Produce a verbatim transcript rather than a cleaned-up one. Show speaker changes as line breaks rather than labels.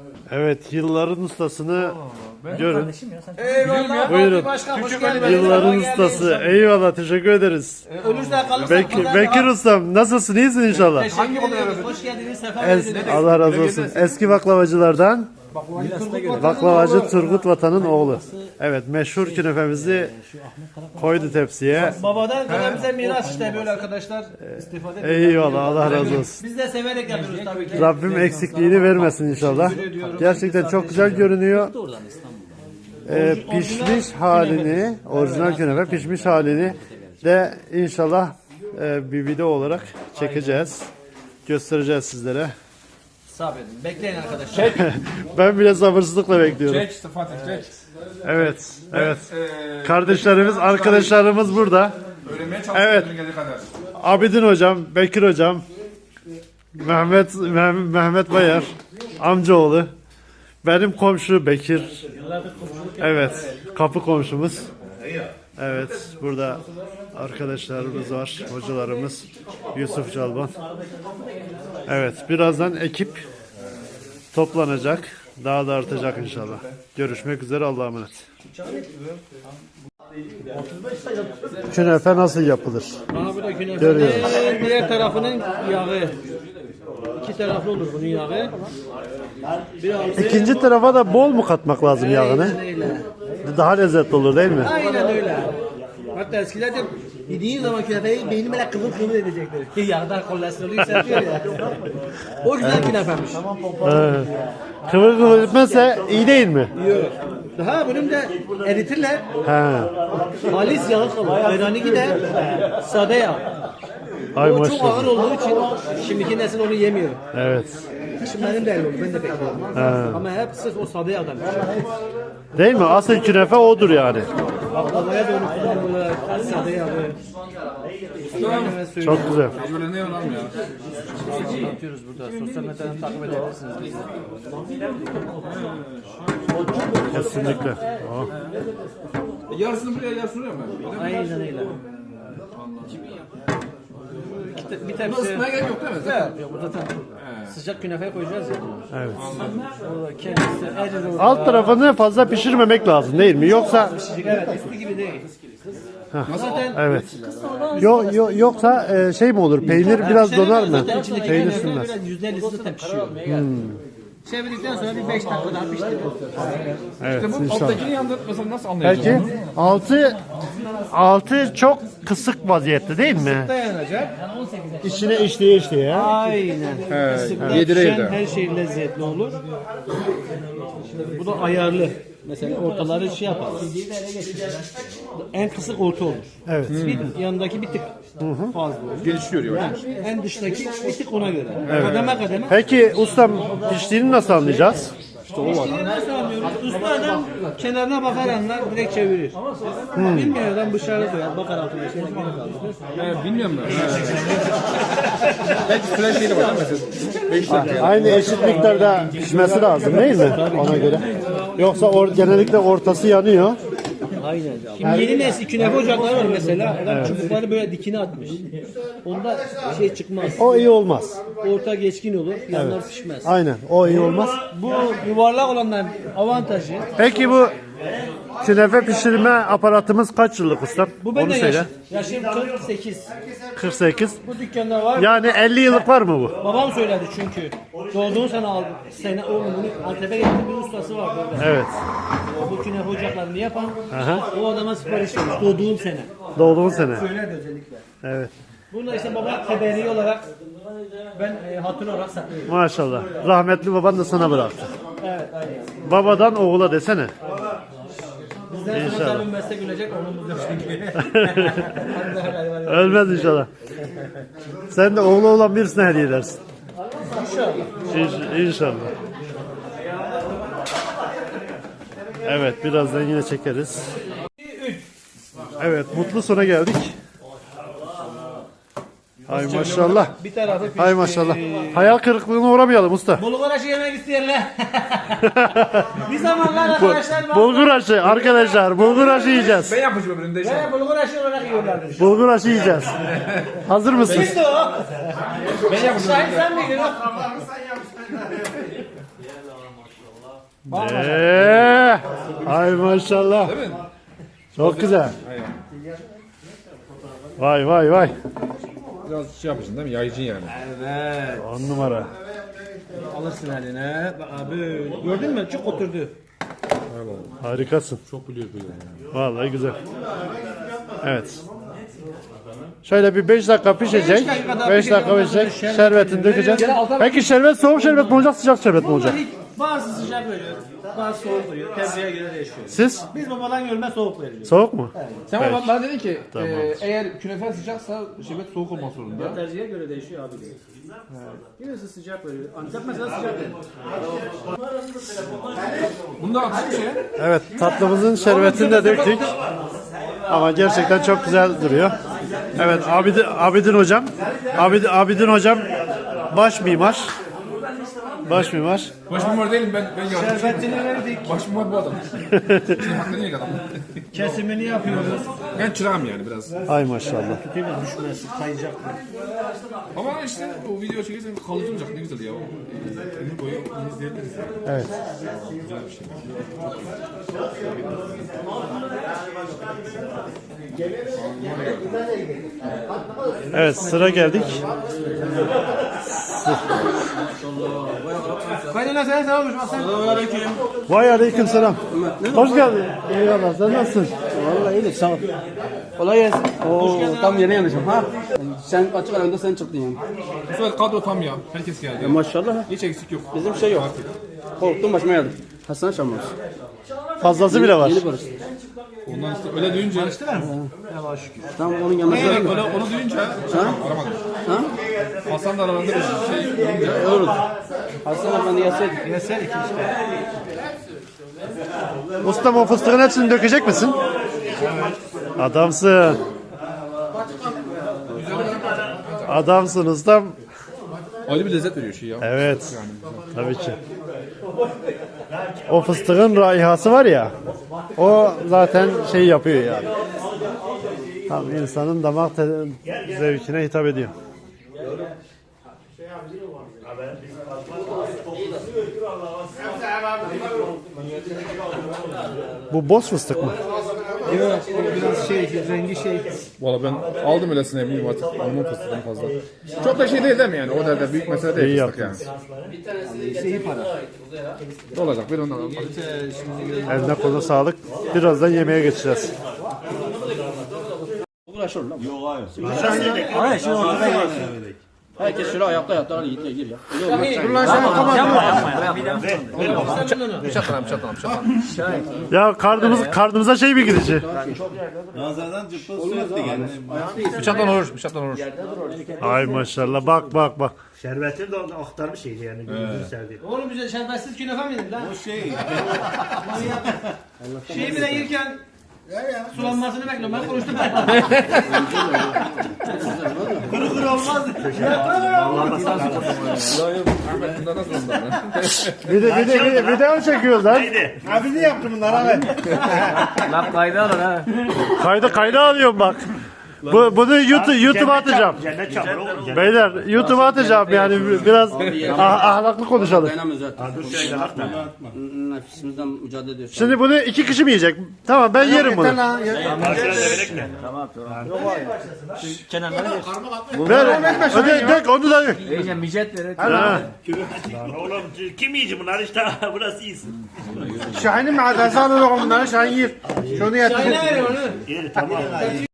Evet, yılların ustasını görün.
Eyvallah.
Buyurun.
Başkan, hoş geldin.
Yılların ustası. Eyvallah, teşekkür ederiz.
Ölürse kalırsa
Bek
pazar
Bekir
daha-
ustam, nasılsın? İyisin inşallah.
Teşekkür ederiz. Hoş geldiniz. Sefa
Es
verdiniz.
Allah razı olsun. Eski baklavacılardan baklavacı Turgut Vatan'ın oğlu. Evet, meşhur künefemizi koydu tepsiye.
Babadan kalan bize miras işte böyle arkadaşlar istifade ediyor.
Eyvallah, Allah razı olsun.
Biz de severek yapıyoruz tabii ki.
Rabbim eksikliğini vermesin inşallah. Gerçekten çok güzel görünüyor. Ee, pişmiş halini, orijinal künefe pişmiş halini de inşallah e, bir video olarak çekeceğiz. Göstereceğiz sizlere.
Sabredin. Bekleyin arkadaşlar.
Ben bile sabırsızlıkla bekliyorum.
Çek işte Fatih çek.
Evet, evet.
Ee,
Kardeşlerimiz, arkadaşlarımız burada.
Öğrenmeye
Evet.
çalışıyorum geldiği kadar.
Abidin hocam, Bekir hocam, Mehmet Meh- Mehmet Bayar, amcaoğlu, benim komşu Bekir. Evet, kapı komşumuz. Evet, burada arkadaşlarımız var, hocalarımız, Yusuf Calban. Evet, birazdan ekip toplanacak, daha da artacak inşallah. Görüşmek üzere, Allah'a emanet. Künefe nasıl yapılır?
Bana burada künefenin
Görüyoruz.
diğer tarafının yağı. İki taraflı olur bunun yağı. Biraz
İkinci tarafa da bol mu katmak lazım yağını?
öyle.
Daha lezzetli olur değil mi?
Aynen öyle. Hatta eskilerde yediğin zaman künefeyi beyni böyle kıvır kıvır edecekler. Yağdan kolesterolü yükseltiyor ya. O güzel künefemiş.
Evet. Kıvır kıvır etmezse iyi değil mi?
Yok. Daha bunun da eritirler.
He.
Halis yağı kalır. Ayranı gider. Sade yağ.
Ay
O çok ağır
maşallah.
olduğu için şimdiki nesil onu yemiyor.
Evet.
Şimdi benim de öyle oldu. Ben de bekliyorum. Ama hep sırf o sade yağdan.
Değil mi? Asıl künefe odur yani.
Baklavaya da onu kullanıyorlar. Sade yağı.
Çok güzel.
Böyle ne oğlum ya?
Anlatıyoruz burada. Sosyal medyadan takip edebilirsiniz.
Kesinlikle. Oh.
Yarısını buraya yarısını oraya mı? Öyle mi?
Aynen öyle. İki te- Bir
Bunu
tepsi.
ısıtmaya gerek yok değil mi? Zaten.
Yok bu zaten sıcak künefe koyacağız ya.
Evet.
O kendisi erir orada.
Alt tarafını fazla pişirmemek lazım değil mi? Yoksa
Evet üstü gibi değil. Zaten
evet. Yo, yo, yoksa e, şey mi olur? Peynir biraz donar mı?
zaten içindeki
Peynir
künefe
sürmez.
biraz yüzde ellisi zaten pişiyor. Çevirdikten sonra bir beş dakika daha pişti.
Evet
İşte bu
inşallah.
alttakini yandır mesela nasıl anlayacağız
Peki
onu?
altı altı çok kısık vaziyette değil mi?
Dayanacak.
İçine işleye işleye.
Aynen. He,
yedireyi de.
her şey lezzetli olur. Şimdi bu da ayarlı. Mesela ortaları şey yapar. En kısık orta olur.
Evet.
Bir yanındaki bir tık fazla olur.
Gelişiyor ya.
Yani en dıştaki bir tık ona göre. Kademe kademe.
Peki ustam piştiğini nasıl anlayacağız?
İşini nasıl anlıyoruz? Usta adam kenarına bakar anlar, direkt çevirir. Bilmiyor adam bıçağı koyar, bakar altına şeyle geri kaldırır.
He, bilmiyorum ben. Belki flash şeyi var mesela. beş dakika.
Aynı eşit miktarda pişmesi lazım değil mi? Ona göre. Yoksa or, genellikle ortası yanıyor.
Aynen. Şimdi yeni nesil künefe ocakları var mesela. Adam çubukları böyle dikine atmış. Onda şey çıkmaz.
O iyi olmaz.
Orta geçkin olur, yanlar pişmez.
Aynen. O iyi olmaz.
Bu yuvarlak olanların avantajı.
Peki bu künefe pişirme aparatımız kaç yıllık ustam?
Bu
Onu
benden
söyle.
yaşım. Yaşım kırk sekiz.
kırk sekiz.
Bu dükkanda var.
Yani elli yıllık var mı bu?
Babam söyledi çünkü. Doğduğun sene aldı. Sene oğlum bunu Antep'e getirdi bir ustası var burada.
Evet.
Bu künefe ocaklarını yapan
Aha.
o adama sipariş vermiş. Doğduğum sene.
Doğduğun sene.
Söylerdi özellikle.
Evet.
Bunu da işte baba teberi olarak ben e, hatun olarak saklıyorum.
Maşallah. Rahmetli baban da sana bıraktı.
Evet aynen.
Babadan oğula desene.
Bizden sonra
İnşallah.
tabii meslek ölecek onun bu çünkü.
Ölmez inşallah. Sen de oğlu olan birisine hediye edersin.
İnşallah.
İnş- İnşallah. Evet, birazdan yine çekeriz. Evet, mutlu sona geldik. Ay maşallah.
Bir tarafı pişti.
Ay maşallah. Hayal kırıklığına uğramayalım usta.
Bulgur aşı yemek isteyenler. Bir zamanlar arkadaşlar bak-
Bulgur aşı arkadaşlar, bulgur aşı yiyeceğiz.
Ben yapmışım öbüründe işte.
Ve bulgur aşı olarak yiyorlardı.
Bulgur aşı yiyeceğiz. Hazır mısınız?
Kimdi o?
Ben yapmışım.
Şahin sen miydin o?
Eee, ay maşallah.
Değil mi?
Çok güzel.
Aynen.
Vay vay vay.
Biraz şey yapacaksın değil mi? Yayıcın yani.
Evet.
On numara.
Alırsın eline. Bak abi. Gördün mü? Çık oturdu.
Harikasın.
Çok biliyor biliyor yani.
Vallahi güzel. Evet. Şöyle bir beş dakika pişecek.
Beş dakika daha
beş dakika
pişecek.
pişecek. Şerbetini dökeceğiz.
Gene alta bak.
Peki şerbet soğuk şerbet mi olacak, sıcak şerbet mi olacak?
Bazı sıcak veriyor. Bazı soğuk veriyor. Tercihe göre değişiyor.
Siz?
Biz babadan görme soğuk veriyoruz.
Soğuk mu?
Sen
Peki.
bana, bana dedin ki
Tamam.
e, eğer künefe sıcaksa şerbet soğuk olmak zorunda.
Tercihe göre değişiyor abi. Birisi sıcak veriyor. Antep mesela sıcak veriyor.
Bunda atışık bir şey.
Evet, tatlımızın şerbetini de döktük. Ama gerçekten çok güzel duruyor. Evet, Abidin, Abidin hocam. Abidin, Abidin hocam baş mimar. Baş mimar.
Baş mimar değilim ben. Ben yardımcıyım.
Şerbetini verdik.
Baş mimar bu adam. Şimdi hakkını yedik adam.
Kesimini yapıyoruz.
Ben çırağım yani biraz.
Ay maşallah.
Değil mi? Düşmesi, kayacak.
Ama işte o video çekirsen kalıcı olacak ne güzel ya. O, e, ömür boyu onu izleyebiliriz.
Evet.
Güzel bir şey.
Evet, sıra geldik.
Kaynana sen selam olmuş. Selamünaleyküm.
Vay aleyküm selam. Hoş geldin. Eyvallah, sen nasılsın?
Vallahi iyilik sağ ol. Kolay gelsin. Oo, tam yeni yanlışım ha. Sen açık aranda sen çıktın yani.
Bu sefer kadro tam ya. Herkes geldi.
Ya maşallah.
Hiç eksik yok.
Bizim şey yok. Korktum başıma geldi. Hasan Şamlıs.
Fazlası bile var.
Yeni barış.
Ondan işte öyle duyunca.
Tam onun yanına
Öyle,
geldim.
öyle onu duyunca aramadım.
Ha?
Hasan da aralarında bir şey duyunca.
Olur. Hasan Efendi gelseydik.
Yeserik işte.
Ustam, o fıstığın hepsini dökecek misin? Adamsın. Adamsın ustam.
Ayrı bir lezzet veriyor şey ya.
Evet. Tabii ki. O fıstığın raihası var ya. O zaten şey yapıyor yani. Tam insanın damak te- zevkine hitap ediyor. Bu boz fıstık mı?
Yok, biraz şey, rengi şey.
Valla ben aldım öylesine eminim artık. Onun fıstığından fazla. Çok da şey değil değil mi yani? O derece büyük mesele değil
İyi
fıstık yani. Ne olacak? Bir ondan alalım.
Eline koluna sağlık. Birazdan yemeğe geçeceğiz.
Uğraşır lan. Yok hayır. Hayır şimdi ortada gir. Herkes şöyle ayakta ayakta hadi git gir ya. Dur lan sen tamam. Yapma yapma.
Bıçak lan bıçak lan bıçak lan.
Ya karnımız karnımıza şey mi gidecek?
Nazardan cıppıl sürekli geldi.
Bıçaktan olur. Bıçaktan olur.
Ay maşallah, bak bak bak.
Şerbetini de aktarmış iyiydi yani gözünü sevdi.
Oğlum bize şerbetsiz künefe mi yedin lan?
O şey.
Şeyi bile yerken sulanmasını bekliyorum. Ben konuştum. Kuru kuru olmaz.
Ahmet bundan nasıl ondan lan?
Bir de bir de bir de video çekiyoruz lan.
Abi ne yaptı bunlar abi?
Lan kaydı alın ha.
Kayda kayda alıyorum bak. Bu bunu YouTube YouTube'a atacağım.
Cennet çamur oğlum.
Beyler YouTube'a atacağım yani biraz ah- ahlaklı konuşalım.
Dayanamıyoruz zaten.
Dur şöyle bak da.
Nefsimizden mücadele ediyoruz.
Şimdi bunu iki kişi mi yiyecek? Tamam, ben yerim bunu.
Karşıya devirek mi?
Ver. Öde, dök onu da dök.
İyice micet verir.
Ha.
Lan oğlum kim yiyecek bunlar işte burası iyisin.
Şahin'in madası alıyor bunları. Şahin yer. Şunu yatır.
İyi tamam.